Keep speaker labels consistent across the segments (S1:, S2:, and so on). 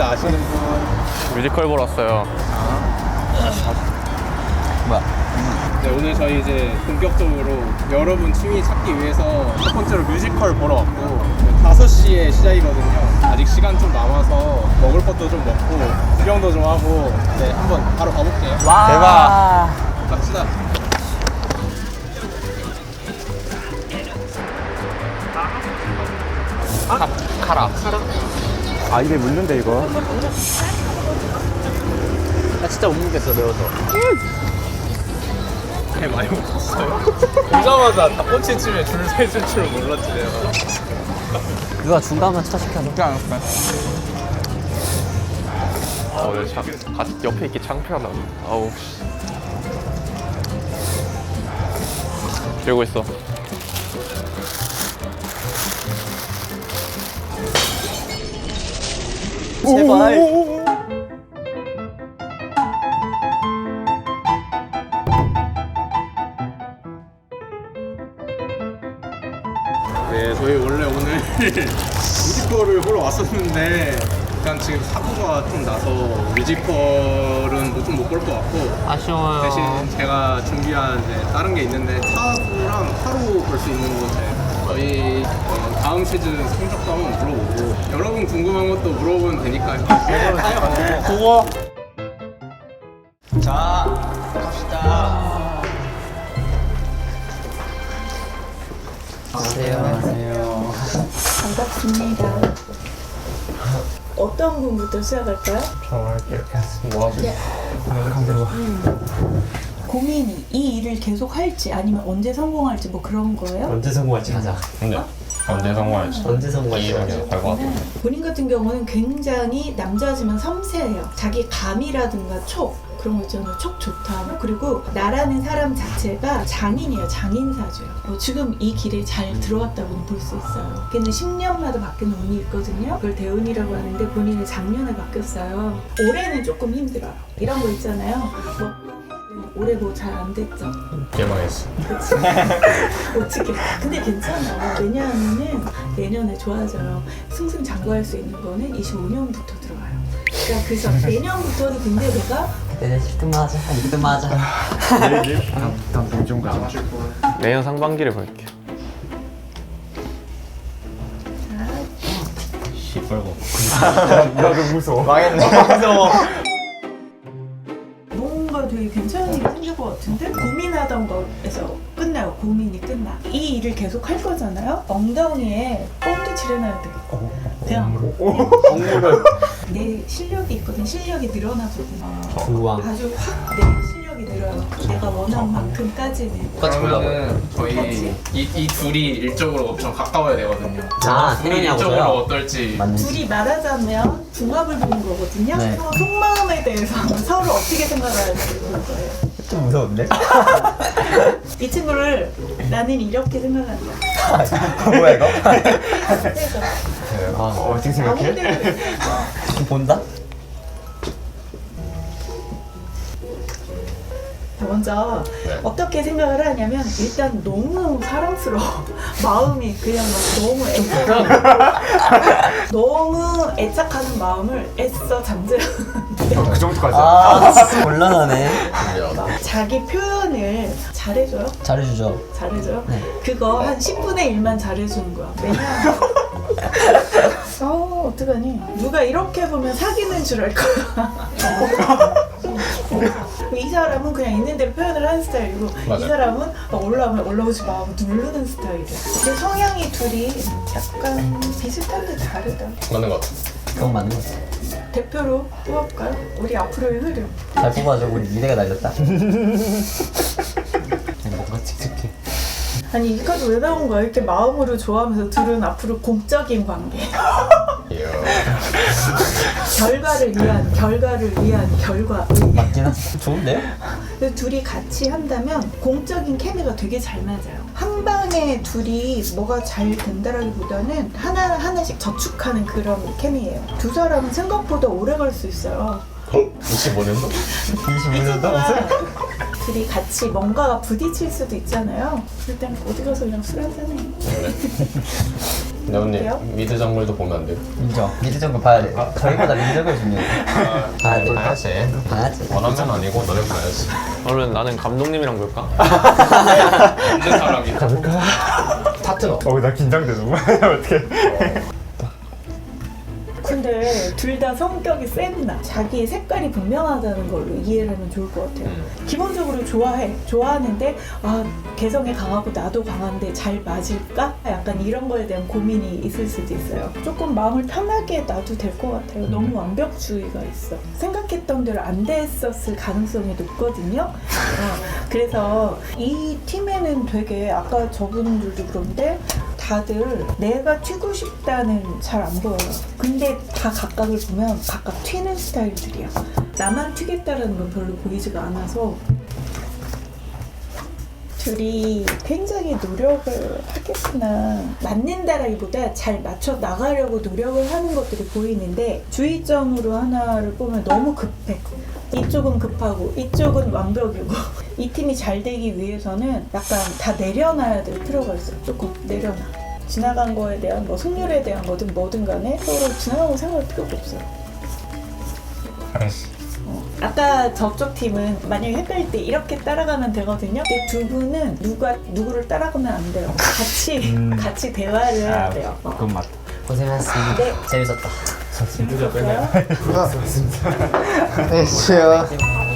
S1: 밴드 아시는 분?
S2: 뮤지컬 보러 왔어요.
S3: 뭐야?
S1: 네, 오늘 저희 이제 본격적으로 여러분 취미 찾기 위해서 첫 번째로 뮤지컬 보러 왔고 5시에 시작이거든요. 아직 시간 좀 남아서 먹을 것도 좀 먹고 구경도 좀 하고 네, 한번 바로 가볼게요.
S3: 와.
S2: 대박.
S1: 갑시다.
S2: 카라.
S3: 아 입에 묻는데 이거.
S2: 나 진짜 못 먹겠어, 매워서.
S1: 네, 많이 먹었어요. 오자마자 닭꼬치집에 줄 서 있을 줄 몰랐지 내가.
S3: 누가 중간만 시켜줘.
S2: 같이 옆에 있기 창피하다. 아우, 씨. 들고 있어.
S3: 제발.
S1: 네, 저희 원래 오늘 뮤지컬을 보러 왔었는데 일단 지금 사고가 좀 나서 뮤지컬은 좀 못 볼 것 같고
S2: 아쉬워요.
S1: 대신 제가 준비한 이제 다른 게 있는데 타구랑 타로 볼 수 있는 곳에 저희 다음 시즌 성적도 한번 물어보고 여러분 궁금한 것도 물어보면 되니까요.
S3: 그거.
S1: 자, 갑시다.
S3: 안녕하세요.
S4: 반갑습니다. 어떤 분부터 시작할까요? 고민이 이 일을 계속 할지 아니면 언제 성공할지 뭐 그런 거예요?
S5: 언제 성공할지 하자.
S2: 언제 성공할지.
S5: 언제 성공할지 하자.
S4: 본인 같은 경우는 굉장히 남자지만 섬세해요. 자기 감이라든가 촉 그런 거 있잖아요. 촉 좋다. 그리고 나라는 사람 자체가 장인이에요. 장인사주예요. 지금 이 길에 잘 들어왔다고는 볼 수 있어요. 걔는 10년마다 바뀌는 운이 있거든요. 그걸 대운이라고 하는데 본인은 작년에 바뀌었어요. 올해는 조금 힘들어요. 이런 거 있잖아요. 뭐 올해 뭐 잘 안 됐죠?
S5: 개망했어.
S4: 그치? 어떻게? 근데 괜찮아. 왜냐하면은 내년에 좋아져요. 승승장구할 수 있는 거는 25년부터 들어가요. 그러니까 그래서 내년부터는 근데 내가
S3: 네, 1등만 하자. 2등만 하자.
S5: 다음 공중 가자.
S2: 내년 상반기를 볼게요.
S5: 시뻘고.
S3: 나도 무서워.
S5: 망했네. 무서워.
S4: 뭔가 되게 괜찮은 일이 생길 것 같은데 고민하던 거에서 끝나요. 고민이 끝나. 이 일을 계속 할 거잖아요. 엉덩이에 뽕도 칠해놔야 돼. 그냥 내 실력이 있거든. 실력이 늘어나거든.
S3: 우왕.
S4: 아주 확 내 실력이 늘어요. 내가 원한 만큼까지는.
S1: 그러면은 저희 이 둘이 일적으로 엄청 가까워야 되거든요.
S3: 아,
S1: 둘이
S3: 태연이하고서요?
S1: 일적으로 어떨지.
S4: 둘이 말하자면 궁합을 보는 거거든요.
S3: 네.
S4: 속마음에 대해서 서로 어떻게 생각하는지 보는 거예요.
S5: 좀 무서운데?
S4: 이 친구를 나는 이렇게 생각한다.
S5: 뭐야 이거?
S4: 그래서
S5: 어떻게 생각해?
S4: 아무데도
S3: 본다?
S4: 먼저 어떻게 생각을 하냐면 일단 너무 사랑스러워. 마음이 그냥 막 너무 애착하는 마음을 애써 잠재우는데
S5: 그 정도까지.
S3: 아, 곤란하네.
S4: 자기 표현을 잘해줘요.
S3: 잘해주죠.
S4: 잘해줘요.
S3: 네.
S4: 그거 한 10분의 1만 잘해주는 거야. 왜냐하면 어떡하니? 누가 이렇게 보면 사귀는 줄 알 거야. 이 사람은 그냥 있는 대로 표현을 하는 스타일이고 이 사람은 막 올라오면 올라오지 마 하고 누르는 스타일이야. 근데 성향이 둘이 약간 비슷한데 다르다.
S5: 맞는 것 같아.
S3: 그건 맞는 것 같아.
S4: 대표로 뽑아볼까요? 우리 앞으로의 흐름.
S3: 잘 뽑아줘. 우리 미래가 날렸다. 뭔가 칙칙해.
S4: 아니 이까지 왜 나온 거야? 이렇게 마음으로 좋아하면서 둘은 앞으로 공적인 관계. 결과를 위한 결과.
S3: 맞긴 하지. 좋은데요?
S4: 근데 둘이 같이 한다면 공적인 케미가 되게 잘 맞아요. 한 방에 둘이 뭐가 잘 된다라기보다는 하나씩 저축하는 그런 케미예요. 두 사람은 생각보다 오래 갈 수 있어요.
S5: 25년도?
S4: 25년도? 둘이 같이 뭔가가 부딪힐 수도 있잖아요. 그럴 땐 어디 가서 그냥 술 한잔해.
S1: 네온님 미드 정글도 보면 안 돼요?
S3: 인정. 미드 정글 봐야 돼. 저희보다 미드 정글 중요해. 봐야 돼.
S1: 봐야지.
S3: 봐야지.
S1: 원하면 아니고 너네 봐야지.
S2: 그러면 나는 감독님이랑 볼까?
S1: 없는 사람이. 파트너.
S5: 나 긴장돼 너무. 어떻게?
S4: 근데 둘 다 성격이 세구나. 자기 색깔이 분명하다는 걸로 이해를 하면 좋을 것 같아요. 기본적으로 좋아하는데 개성이 강하고 나도 강한데 잘 맞을까? 약간 이런 거에 대한 고민이 있을 수도 있어요. 조금 마음을 편하게 놔도 될 것 같아요. 너무 완벽주의가 있어. 생각했던 대로 안 됐었을 가능성이 높거든요. 그래서 이 팀에는 되게 아까 저분들도 그런데 다들 내가 튀고 싶다는 잘 안 보여요. 근데 다 각각을 보면 각각 튀는 스타일들이야. 나만 튀겠다라는 건 별로 보이지가 않아서 둘이 굉장히 노력을 하겠구나. 맞는다라기보다 잘 맞춰 나가려고 노력을 하는 것들이 보이는데 주의점으로 하나를 보면 너무 급해. 이쪽은 급하고 이쪽은 완벽이고 이 팀이 잘 되기 위해서는 약간 다 내려놔야 될 필요가 있어요. 조금 내려놔. 지나간 거에 대한 승률에 대한 거든 뭐든 간에 서로 지나간 거 생각할 필요가 없어요. 아까 저쪽 팀은 만약에 헷갈릴 때 이렇게 따라가면 되거든요. 근데 두 분은 누구를 따라가면 안 돼요. 같이 대화를 해야 돼요.
S5: 그건 맞다.
S3: 고생하셨습니다.
S4: 네.
S3: 재밌었다.
S4: 재밌었어요?
S6: 네, 쉬어.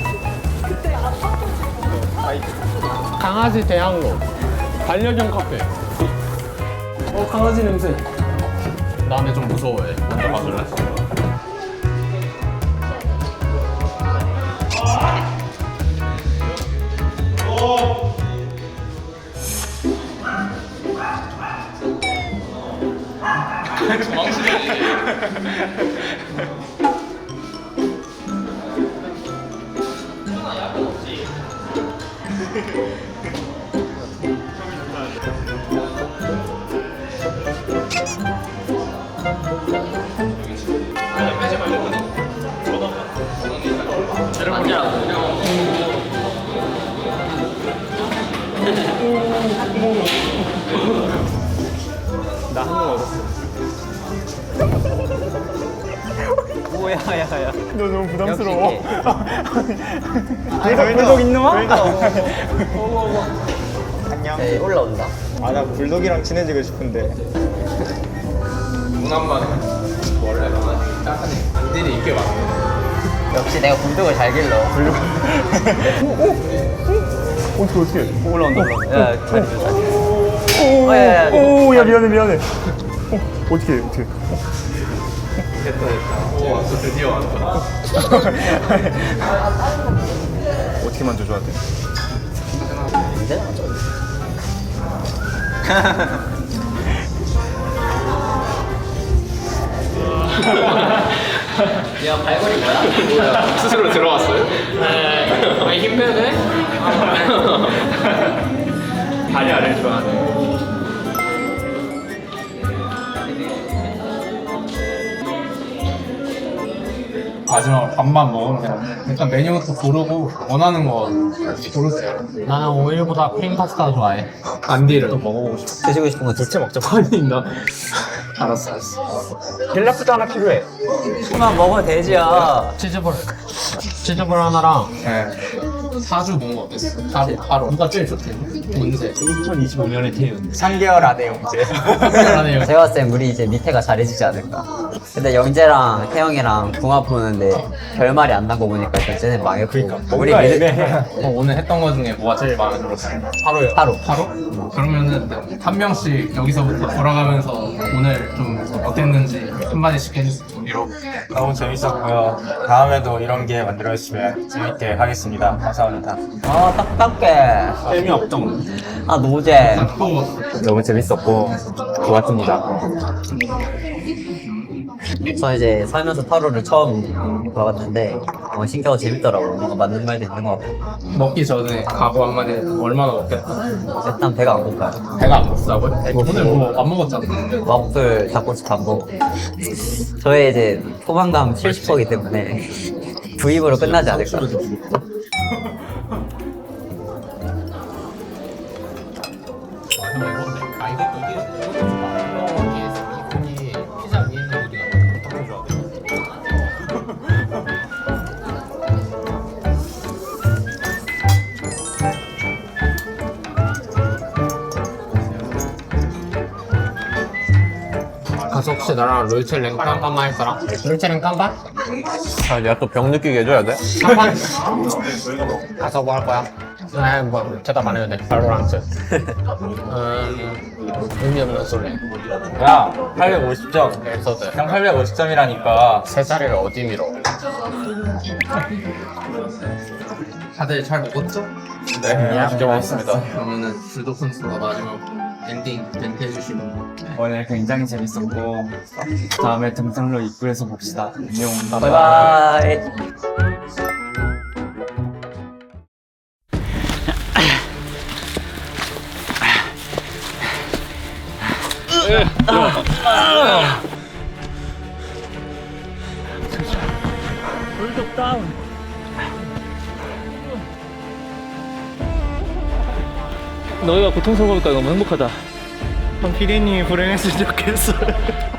S1: 강아지 대학로. 반려견 카페. 강아지 냄새. 나는 좀 무서워해. 먼저 가줄래?
S2: 나 한 명 얻었어. 뭐야, 야야.
S5: 너 너무 부담스러워.
S6: 불독 있는 와? 안녕.
S3: 네, 올라온다.
S6: 나 불독이랑 친해지고 싶은데.
S1: 문학만 원래 강아지 딱하니 안들이 인기 많아.
S3: 역시 내가 불독을 잘 길러.
S5: 어떻게?
S3: 올라온다. 야, 자리 줘, 자리. 야.
S5: 오야 미안해. 어떻게?
S1: 오 왔어 드디어 왔어.
S5: 어떻게 만져줘야 돼?
S3: 이제? 야, 발걸이 뭐야?
S1: 스스로 들어왔어요? 네. 힘 빼네? 다리 아래를 좋아하네. 마지막으로 밥만 먹으면 돼요. 일단 메뉴부터 고르고 원하는 거 고르세요.
S3: 나는 오일보다 크림 파스타 좋아해.
S1: 안디를 또 먹어보고 싶어.
S3: 드시고 싶은 거 진짜 먹자.
S1: 아니 나 알았어.
S5: 젤라프도 하나 필요해.
S3: 그만 먹어도 되지야. 치즈볼 하나랑.
S1: 네. 사주 뭔거 어땠어? 바로 누가 제일 좋대? 뭔데?
S3: 2025년에 태운.
S6: 3개월 안에 영재.
S1: 잘하네요.
S3: 제가 봤을 땐 우리 이제 밑에가 잘해지지 않을까. 근데 영재랑 태영이랑 궁합 보는데 결말이 안 난 거 보니까 일단 쟤네 망했고. 우리
S1: 오늘 했던 거 중에 뭐가 제일 마음에 들었어요? 바로요.
S3: 바로.
S1: 그러면은 한 명씩 여기서부터 돌아가면서 오늘 좀 어땠는지 한마디씩 해주세요. 이러고.
S6: 너무 재밌었고요. 다음에도 이런 기회 만들어주시면 재밌게 하겠습니다. 감사합니다.
S3: 딱딱해.
S6: 재미없던.
S3: 노제.
S1: 또
S6: 너무 재밌었고 좋았습니다.
S3: 저 이제 살면서 타로를 처음 봐봤는데 신기하고 재밌더라고. 뭔가 맞는 말도 있는 것 같고.
S1: 먹기 전에 각오 한마디 얼마나 먹겠다.
S3: 일단 배가 안 고파요.
S1: 배가 안 고프다고요? 오늘 뭐 안 먹었잖아.
S3: 와플, 닭꼬치 담고. 저의 이제 포만감 70%이기 때문에 부입으로 끝나지 않을까.
S1: 아 이것도 이게
S7: 나랑 롤체랭 깜깜만 할 사람? 롤체랭 깜깜?
S2: 아, 내가 또 병 느끼게 해줘야 돼?
S7: 깜깜? 가서 뭐 할 거야? 뭐 대답 안 해도 돼. 발로란트. 의미 없는 소리.
S6: 야, 850점.
S7: 에서드.
S6: 형 850점이라니까.
S7: 세 자리를 어디 밀어? 다들 잘 먹었죠?
S6: 네, 진짜 고맙습니다.
S7: 그러면은 주도 선수가 마지막 엔딩 멘트 해주시면.
S8: 오늘 굉장히 재밌었고 다음에 등산로 입구에서 봅시다. 안녕.
S3: 바이바이.
S2: 너희가 고통스러우니까 너무 행복하다.
S5: 피디님이 불행했으면 좋겠어요.